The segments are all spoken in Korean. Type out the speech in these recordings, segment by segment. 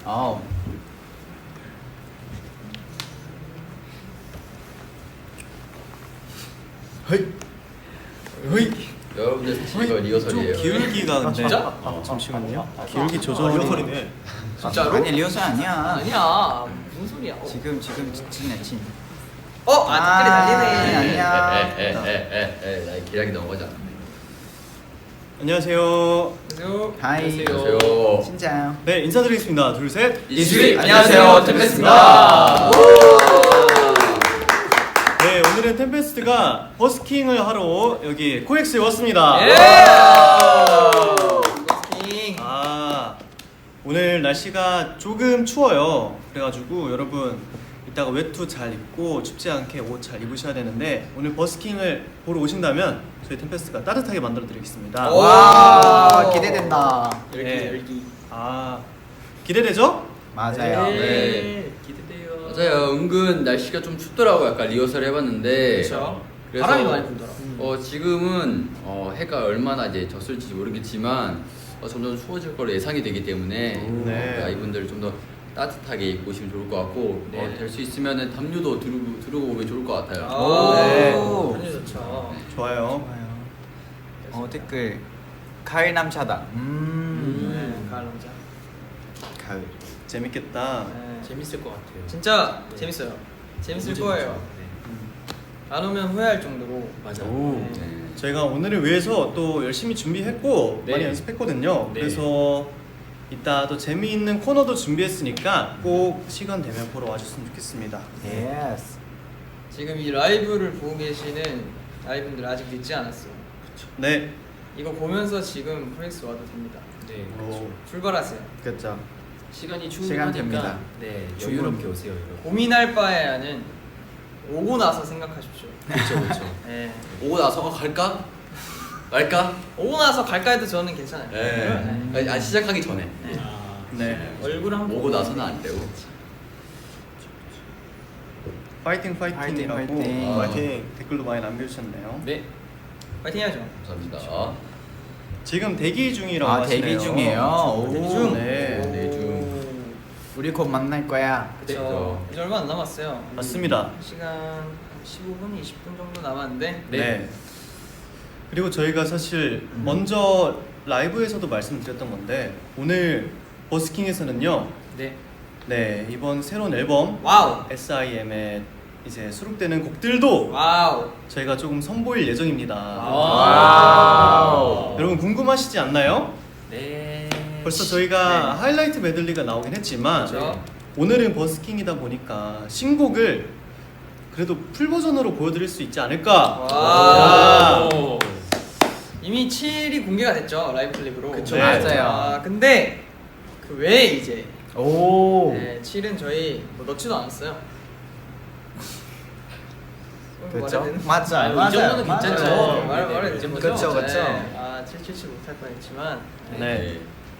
아. 헤이. 헤이. 여러분들 사실 이거 리허설이에요. 기울기가 근데 진짜? 잠시만요. 기울기 조절. 리허설이네. 진짜로? 아니 리허설 아니야. 아니야. 무슨 소리야? 지금 진이야 진. 댓글이 달리네. 아니야. 나 기량이 넘어가자. 안녕하세요. 안녕하세요. 하이. 안녕하세요. 진짜요. 네 인사드리겠습니다. 둘 셋. 이수리 안녕하세요. 템페스트입니다. 네 오늘은 템페스트가 버스킹을 하러 여기 코엑스에 왔습니다. 예! 오늘 날씨가 조금 추워요. 그래가지고 여러분 이따가 외투 잘 입고 춥지 않게 옷 잘 입으셔야 되는데 오늘 버스킹을 보러 오신다면 저희 템페스트가 따뜻하게 만들어 드리겠습니다. 와 기대된다. 열기. 기대되죠? 맞아요. 네. 기대돼요. 맞아요. 은근 날씨가 좀 춥더라고. 약간 리허설 해봤는데. 그렇죠. 그래서 바람이 많이 불더라. 지금은 해가 얼마나 이제 졌을지 모르겠지만 점점 추워질 거로 예상이 되기 때문에 네. 이분들 좀 더 따뜻하게 입고 오시면 좋을 것 같고 네. 될 수 있으면 담요도 두르고 오면 좋을 것 같아요. 네. 편히 좋죠. 좋아요. 댓글 가을 남자다. 가을 남자. 가을. 재밌겠다. 재밌을 것 같아요. 진짜 재밌어요. 재밌을 거예요. 안 오면 후회할 정도로. 맞아요. 오. 네. 저희가 오늘을 위해서 또 열심히 준비했고 네. 많이 연습했거든요. 네. 그래서 이따 또 재미있는 코너도 준비했으니까 꼭 시간 되면 보러 와주셨으면 좋겠습니다. 예스. 지금 이 라이브를 보고 계시는 아이분들 아직 늦지 않았어요. 네. 이거 보면서 지금 코엑스 와도 됩니다. 네, 오. 출발하세요. 그렇죠. 시간이 시간 됩니다. 충분하니까 네, 충분. 여유롭게 오세요, 여러분. 고민할 바에는 오고 나서 생각하십시오. 그렇죠, 그렇죠. 네. 오고 나서 갈까? 말까? 오고 나서 갈까 해도 저는 괜찮아요. 네. 시작하기 전에. 네. 얼굴 한번 오고 나서는 안 되고. 파이팅 파이팅이라고 파이팅, 파이팅 댓글도 많이 남겨주셨네요. 네, 파이팅 해야죠. 감사합니다. 지금 대기 중이라고 하시네요. 대기 중이에요. 대기 오. 중. 네. 네, 중. 우리 곧 만날 거야. 그렇죠. 이제 얼마 안 남았어요. 맞습니다. 시간 15분, 20분 정도 남았는데 네. 그리고 저희가 사실 먼저 라이브에서도 말씀드렸던 건데 오늘 버스킹에서는요. 네 이번 새로운 앨범 와우. SIM에 이제 수록되는 곡들도 와우. 저희가 조금 선보일 예정입니다. 와우. 여러분 궁금하시지 않나요? 네. 벌써 저희가 하이라이트 메들리가 나오긴 했지만 그렇죠. 오늘은 버스킹이다 보니까 신곡을 그래도 풀 버전으로 보여드릴 수 있지 않을까. 와우. 오. 이미 7이 공개가 됐죠. 라이브 클립으로. 그쵸. 네. 맞아요. 근데 그 외에 이제 오. 네, 7은 저희 뭐 넣지도 않았어요. 그렇죠. 말해야 맞아요. 이 정도는 괜찮죠. 되나? 네, 말해도 네, 되는 네. 거죠? 그쵸, 그쵸. 아, 777 못할 뻔했지만 네.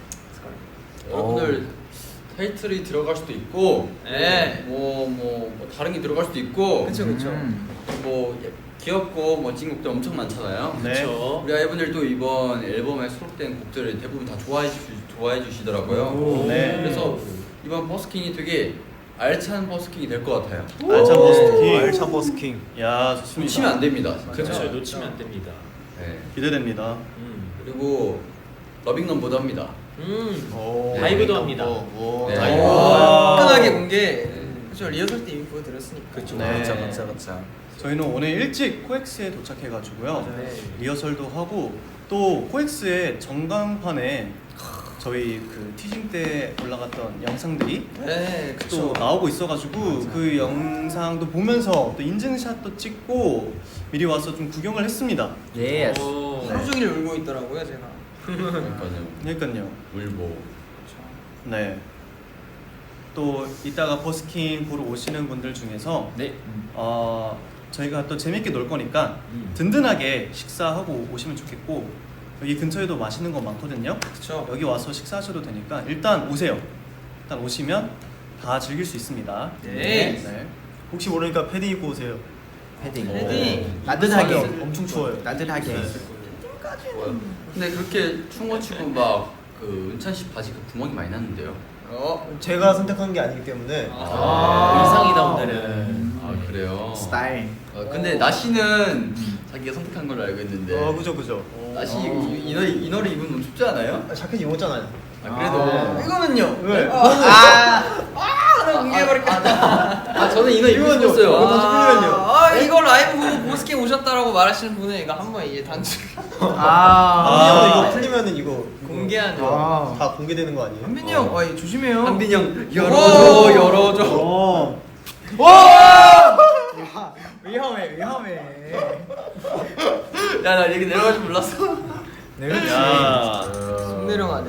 여러분들 타이틀이 들어갈 수도 있고, 네. 뭐 다른 게 들어갈 수도 있고, 그쵸 그쵸. 뭐 귀엽고 멋진 곡들 엄청 많잖아요. 네. 그렇죠. 우리 아이분들도 이번 앨범에 수록된 곡들을 대부분 다 좋아해 주시더라고요. 오, 네. 그래서 이번 버스킹이 되게 알찬 버스킹이 될 것 같아요. 알찬 버스킹. 알찬 버스킹. 야 좋습니다. 놓치면 안 됩니다. 진짜. 그렇죠. 놓치면 안 됩니다. 네. 기대됩니다. 그리고 러빙넘보다 합니다. 오. 네. 라이브도 합니다. 네. 라이브. 화끈하게 공개. 그렇죠. 리허설 때 이미 보여드렸으니까. 그렇죠. 네. 그쵸. 저희는 오늘 일찍 코엑스에 도착해가지고요. 네. 리허설도 하고 또 코엑스의 전광판에 저희 그 티징 때 올라갔던 영상들이 네, 또 그쵸. 나오고 있어가지고 그 영상도 보면서 또 인증샷도 찍고 미리 와서 좀 구경을 했습니다. 예스. 하루 종일 울고 있더라고요, 제가. 그러니까요. 그러니까요. 울보. 네. 또 이따가 버스킹 보러 오시는 분들 중에서 네. 저희가 또 재밌게 놀 거니까 든든하게 식사하고 오시면 좋겠고 여기 근처에도 맛있는 거 많거든요. 그쵸. 여기 와서 식사하셔도 되니까 일단 오세요. 일단 오시면 다 즐길 수 있습니다. 네. 혹시 모르니까 패딩 입고 오세요. 패딩. 패딩. 따뜻하게. 엄청 추워요. 따뜻하게. 좋아요. 근데 그렇게 추운 거 치고 막 그 은찬 씨 바지 그 구멍이 많이 났는데요. 제가 선택한 게 아니기 때문에 의상이다 오늘은. 아 그래요. 스타일. 근데 나시는 자기가 선택한 걸로 알고 있는데. 그죠. 나시 이 너를 입으면 너무 춥지 않아요? 자켓 입었잖아요. 그래도. 이거는요. 왜? 하나 공개해버릴까. 저는 이너 입고 싶었어요. 이거 라이브 보고 보스킹 오셨다라고 말하시는 분은 이거 한번 이제 단축 이거 풀리면은 이거 공개하죠. 다 공개되는 거 아니에요? 한빈이 형, 이거 조심해요. 한빈이 형 열어줘, 열어줘. 위험해. 야나 여기 내려갈 줄 몰랐어. 야. 손 내려가네.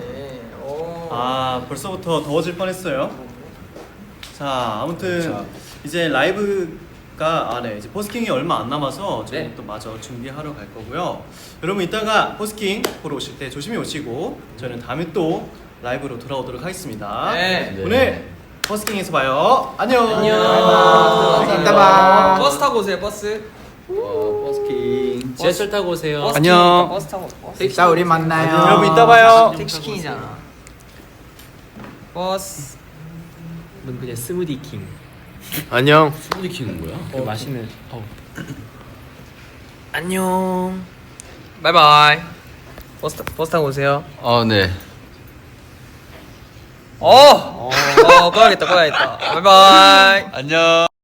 벌써부터 더워질 뻔했어요. 자, 아무튼 이제 라이브가 이제 버스킹이 얼마 안 남아서 저희 네. 또 마저 준비하러 갈 거고요. 여러분 이따가 버스킹 보러 오실 때 조심히 오시고 저희는 다음에 또 라이브로 돌아오도록 하겠습니다. 네. 오늘 버스킹에서 봐요. 안녕. 안녕. 이따 봐. 버스 타고 오세요. 버스. 버스킹. 지하철 타고 오세요. 버스 안녕. 킹이니까 버스 타고. 버스. 이따 우리 만나요. 여러분 이따 봐요. 택시킹이잖아. 버스. 넌 그냥 스무디 킹. 안녕. 스무디 킹은 뭐야? 그 맛있는. 안녕. 바이바이. 버스 타고 오세요. 네. 꺼야겠다. 바이바이. 안녕.